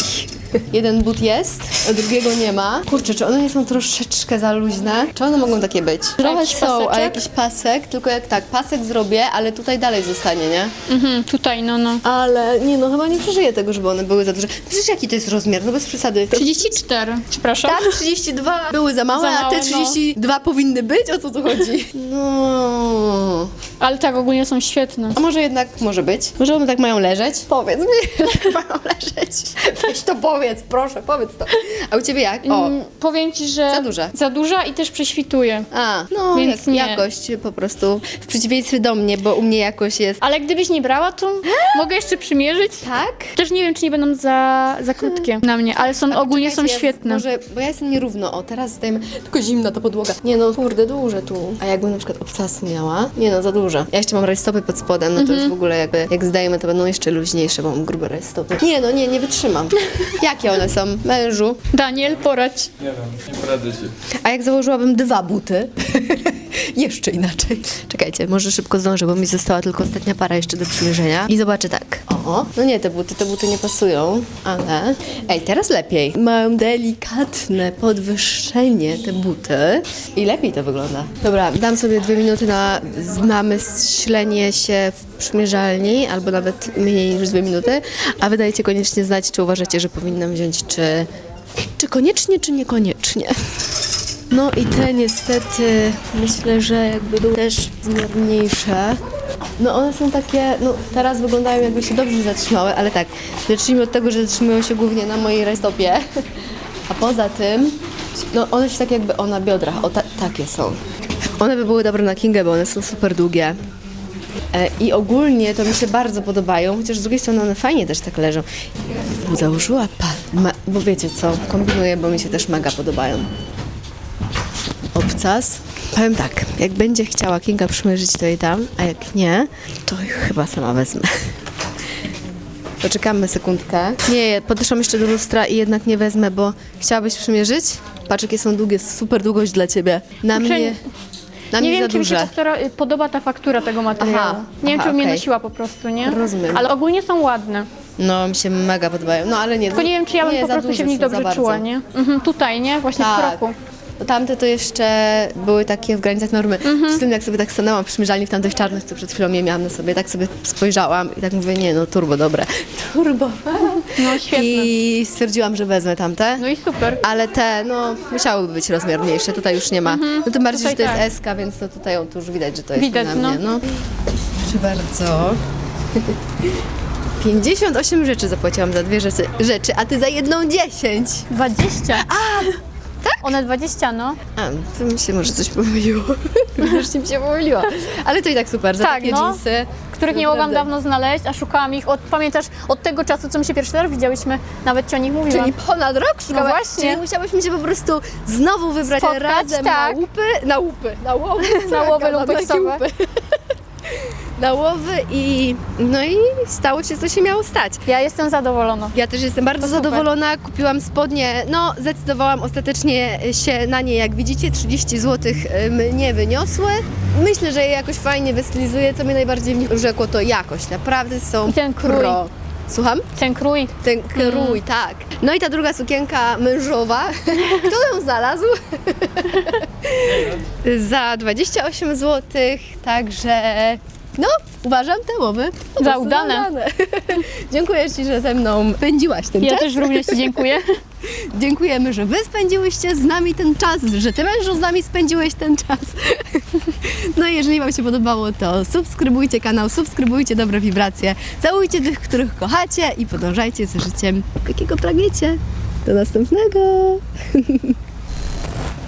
[SPEAKER 1] Jeden but jest, a drugiego nie ma. Kurczę, czy one nie są troszeczkę za luźne? Czy one mogą takie być? Trochę
[SPEAKER 2] Jakiś
[SPEAKER 1] są, a
[SPEAKER 2] paseczek?
[SPEAKER 1] jakiś pasek, tylko jak tak, pasek zrobię, ale tutaj dalej zostanie, nie?
[SPEAKER 2] Mhm, tutaj, no, no.
[SPEAKER 1] Ale nie, no chyba nie przeżyję tego, żeby one były za duże. Przecież jaki to jest rozmiar? No bez przesady.
[SPEAKER 2] trzydzieści cztery, przepraszam.
[SPEAKER 1] Tak, trzydzieści dwa były za małe,
[SPEAKER 2] Za
[SPEAKER 1] a
[SPEAKER 2] małe,
[SPEAKER 1] te trzydzieści dwa powinny być? O co tu chodzi? No.
[SPEAKER 2] Ale tak, ogólnie są świetne.
[SPEAKER 1] A może jednak może być? Może one tak mają leżeć? Powiedz mi, jak mają leżeć. Weź to powiedz, proszę, powiedz to. A u ciebie jak? O.
[SPEAKER 2] Mm, powiem ci, że...
[SPEAKER 1] Za duże.
[SPEAKER 2] Za duża i też prześwituje.
[SPEAKER 1] A, no
[SPEAKER 2] Więc
[SPEAKER 1] jak,
[SPEAKER 2] nie.
[SPEAKER 1] jakość po prostu. W przeciwieństwie do mnie, bo u mnie jakość jest...
[SPEAKER 2] Ale gdybyś nie brała, to mogę jeszcze przymierzyć.
[SPEAKER 1] Tak?
[SPEAKER 2] Też nie wiem, czy nie będą za, za krótkie na mnie, ale są ogólnie są
[SPEAKER 1] Czekajcie, ja
[SPEAKER 2] świetne.
[SPEAKER 1] Może, bo ja jestem nierówno. O, teraz zdajemy. Tylko zimna ta podłoga. Nie no, kurde, duże tu. A jakbym na przykład obcasy miała? Nie no, za duże. Ja jeszcze mam rajstopy pod spodem, no to już w ogóle jakby, jak zdajemy, to będą jeszcze luźniejsze, bo mam grube rajstopy. Nie no, nie, nie wytrzymam. Jakie one są? Mężu?
[SPEAKER 2] Daniel, poradź.
[SPEAKER 3] Nie wiem, nie poradzę ci.
[SPEAKER 1] A jak założyłabym dwa buty? Jeszcze inaczej. Czekajcie, może szybko zdążę, bo mi została tylko ostatnia para jeszcze do przymierzenia. I zobaczę tak. O, no nie, te buty, te buty nie pasują, ale... Ej, teraz lepiej. Mają delikatne podwyższenie te buty i lepiej to wygląda. Dobra, dam sobie dwie minuty na namyślenie się w przymierzalni, albo nawet mniej niż dwie minuty, a wy dajcie koniecznie znać, czy uważacie, że powinnam wziąć, czy... Czy koniecznie, czy niekoniecznie. No i te niestety myślę, że jakby były też zmierniejsze. No one są takie, no teraz wyglądają jakby się dobrze zatrzymały, ale tak, zacznijmy od tego, że zatrzymują się głównie na mojej rajstopie. A poza tym, no one się tak jakby, o na biodrach, o ta, takie są. One by były dobre na Kingę, bo one są super długie. E, I ogólnie to mi się bardzo podobają, chociaż z drugiej strony one fajnie też tak leżą. Ja bym założyła pa, ma, bo wiecie co, kombinuję, bo mi się też mega podobają. Obcas. Powiem tak, jak będzie chciała Kinga przymierzyć, to jej dam, a jak nie, to chyba sama wezmę. Poczekamy sekundkę. Nie, podeszłam jeszcze do lustra i jednak nie wezmę, bo chciałabyś przymierzyć? Patrz, jakie są długie, super długość dla ciebie. Na
[SPEAKER 2] Kurczę,
[SPEAKER 1] mnie, na
[SPEAKER 2] Nie
[SPEAKER 1] mnie
[SPEAKER 2] wiem,
[SPEAKER 1] za
[SPEAKER 2] czy mi się
[SPEAKER 1] duże.
[SPEAKER 2] faktura, podoba ta faktura tego materiału.
[SPEAKER 1] Aha,
[SPEAKER 2] nie wiem,
[SPEAKER 1] aha,
[SPEAKER 2] czy mnie
[SPEAKER 1] okej.
[SPEAKER 2] nosiła po prostu, nie?
[SPEAKER 1] Rozumiem.
[SPEAKER 2] Ale ogólnie są ładne.
[SPEAKER 1] No, mi się mega podobają. No, ale nie.
[SPEAKER 2] Tylko nie wiem, czy ja bym
[SPEAKER 1] nie,
[SPEAKER 2] po
[SPEAKER 1] za
[SPEAKER 2] prostu
[SPEAKER 1] duże
[SPEAKER 2] się w nich
[SPEAKER 1] są, za
[SPEAKER 2] dobrze
[SPEAKER 1] bardzo.
[SPEAKER 2] czuła, nie? Mhm, tutaj, nie? Właśnie w
[SPEAKER 1] Tak.
[SPEAKER 2] kroku.
[SPEAKER 1] Bo tamte to jeszcze były takie w granicach normy.
[SPEAKER 2] Mhm.
[SPEAKER 1] Z tym jak sobie tak stanęłam w przymierzalni w tamtych czarnych, co przed chwilą je miałam na sobie, tak sobie spojrzałam i tak mówię, nie no, turbo dobre. Turbo.
[SPEAKER 2] No świetne.
[SPEAKER 1] I stwierdziłam, że wezmę tamte.
[SPEAKER 2] No i super.
[SPEAKER 1] Ale te, no, musiałyby być rozmiar mniejsze, tutaj już nie ma. No tym bardziej, że to
[SPEAKER 2] Tutaj
[SPEAKER 1] jest
[SPEAKER 2] tak.
[SPEAKER 1] S-ka, więc to tutaj on, tu już widać, że to jest
[SPEAKER 2] Widać,
[SPEAKER 1] na mnie.
[SPEAKER 2] no.
[SPEAKER 1] No. Proszę bardzo. pięćdziesiąt osiem rzeczy zapłaciłam za dwie rzeczy, rzeczy, a ty za jedną dziesięć.
[SPEAKER 2] dwadzieścia. A, tak? One dwadzieścia, no.
[SPEAKER 1] A, to mi się może coś pomyliło. Już mi się pomyliło. Ale to i tak super, za
[SPEAKER 2] Tak,
[SPEAKER 1] takie
[SPEAKER 2] no.
[SPEAKER 1] dżinsy.
[SPEAKER 2] Których nie mogłam
[SPEAKER 1] naprawdę.
[SPEAKER 2] dawno znaleźć, a szukałam ich, od, pamiętasz, od tego czasu, co my się pierwszy raz widziałyśmy, nawet ci o nich mówiłam.
[SPEAKER 1] Czyli ponad rok szukałaś?
[SPEAKER 2] właśnie.
[SPEAKER 1] Czyli musiałyśmy się po prostu znowu wybrać
[SPEAKER 2] Spotkać,
[SPEAKER 1] razem
[SPEAKER 2] tak.
[SPEAKER 1] na łupy, na łupy, na łowy,
[SPEAKER 2] Na łowy
[SPEAKER 1] na
[SPEAKER 2] lumpeksowe.
[SPEAKER 1] łupy. Na łowy i no i stało się, co się miało stać.
[SPEAKER 2] Ja jestem zadowolona.
[SPEAKER 1] Ja też jestem bardzo
[SPEAKER 2] To super.
[SPEAKER 1] zadowolona, kupiłam spodnie, no zdecydowałam ostatecznie się na nie, jak widzicie, trzydzieści złotych mnie wyniosły. Myślę, że je jakoś fajnie wystylizuję, co mnie najbardziej w nich urzekło, to jakość, naprawdę są
[SPEAKER 2] I ten krój.
[SPEAKER 1] pro. Słucham?
[SPEAKER 2] Ten krój.
[SPEAKER 1] Ten krój, tak. No i ta druga sukienka mężowa, kto ją znalazł? Za dwadzieścia osiem złotych, także no, uważam te łowy po
[SPEAKER 2] Za
[SPEAKER 1] prostu
[SPEAKER 2] udane.
[SPEAKER 1] za udane. Dziękuję Ci, że ze mną spędziłaś ten
[SPEAKER 2] Ja
[SPEAKER 1] czas.
[SPEAKER 2] też również ci dziękuję.
[SPEAKER 1] Dziękujemy, że Wy spędziłyście z nami ten czas, że Ty mężu z nami spędziłeś ten czas. No i jeżeli Wam się podobało, to subskrybujcie kanał, subskrybujcie Dobre Wibracje, całujcie tych, których kochacie i podążajcie za życiem, jakiego pragniecie. Do następnego!